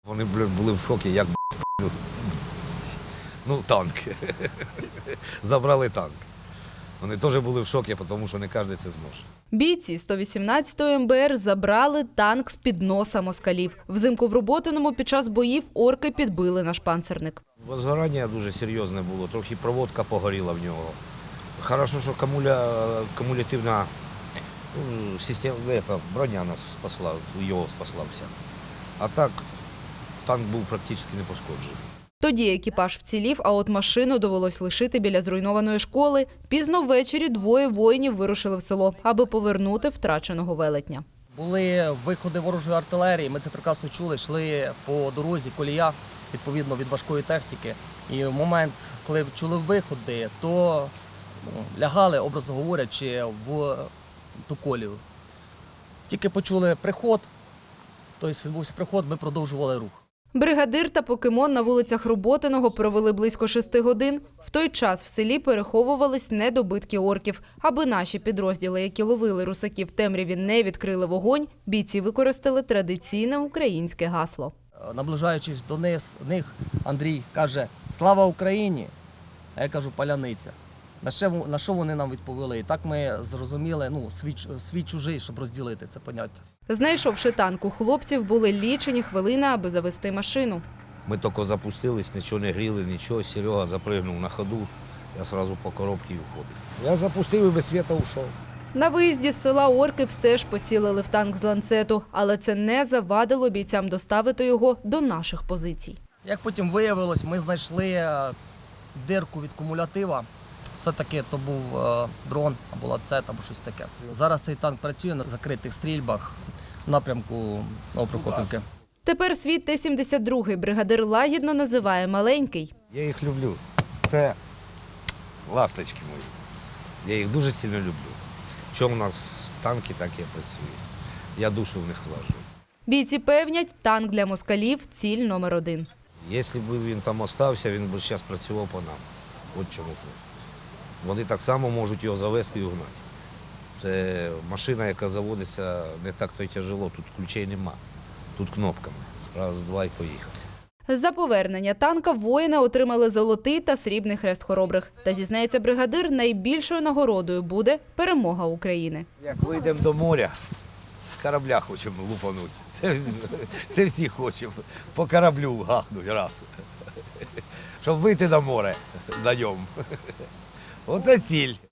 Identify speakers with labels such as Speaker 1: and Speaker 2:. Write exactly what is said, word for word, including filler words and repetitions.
Speaker 1: Вони були в шокі, як ну, танк. Забрали танк. Вони теж були в шокі, тому що не кожен це зможе.
Speaker 2: Бійці сто вісімнадцятої ем бе ер забрали танк з-під носа москалів. Взимку в Роботиному під час боїв орки підбили наш панцерник.
Speaker 1: Возгорання дуже серйозне було, трохи проводка погоріла в нього. Хорошо, що камуля, кумулятивна ну, система, это, броня нас спасла, його спасла вся. А так танк був практично не пошкоджений.
Speaker 2: Тоді екіпаж вцілів, а от машину довелось лишити біля зруйнованої школи. Пізно ввечері двоє воїнів вирушили в село, аби повернути втраченого велетня.
Speaker 3: Були виходи ворожої артилерії, ми це прекрасно чули, йшли по дорозі, колія, відповідно, від важкої техніки. І в момент, коли чули виходи, то ну, лягали, образно говорячи, в ту колію. Тільки почули приход, тобто відбувся приход, ми продовжували рух.
Speaker 2: Бригадир та покемон на вулицях Роботиного провели близько шести годин. В той час в селі переховувались недобитки орків. Аби наші підрозділи, які ловили русаків в темряві, не відкрили вогонь, бійці використали традиційне українське гасло.
Speaker 3: Наближаючись до них, Андрій каже «Слава Україні!», а я кажу «Паляниця». На що, на що вони нам відповіли? І так ми зрозуміли, ну, свій, свій чужий, щоб розділити це поняття.
Speaker 2: Знайшовши танк, у хлопців були лічені хвилини, аби завести машину.
Speaker 1: Ми тільки запустились, нічого не гріли, нічого. Серега запригнув на ходу, я одразу по коробці входив. Я запустив і без світа ушов.
Speaker 2: На виїзді з села орки все ж поцілили в танк з ланцету, але це не завадило бійцям доставити його до наших позицій.
Speaker 3: Як потім виявилось, ми знайшли дирку від кумулятива. Все-таки то був е, дрон або ланцет, або щось таке. Зараз цей танк працює на закритих стрільбах в напрямку Новопрокопівки.
Speaker 2: Тепер свій Т сімдесят два бригадир лагідно називає маленький.
Speaker 1: Я їх люблю. Це ласточки мої. Я їх дуже сильно люблю. Що у нас танки, так і працюють. Я душу в них вложу.
Speaker 2: Бійці певнять, танк для москалів – ціль номер один.
Speaker 1: Якщо б він там остався, він би зараз працював по нам. От чому тут. Вони так само можуть його завести і угнати. Це машина, яка заводиться не так то й тяжело, тут ключей нема. Тут кнопками. Раз, два і поїхав.
Speaker 2: За повернення танка воїни отримали золотий та срібний хрест хоробрих. Та, зізнається бригадир, найбільшою нагородою буде перемога України.
Speaker 1: Як вийдемо до моря, з корабля хочемо лупанути. Це, це всі хочемо. По кораблю гахнуть раз. Щоб вийти на море на ньому. Оце ціль.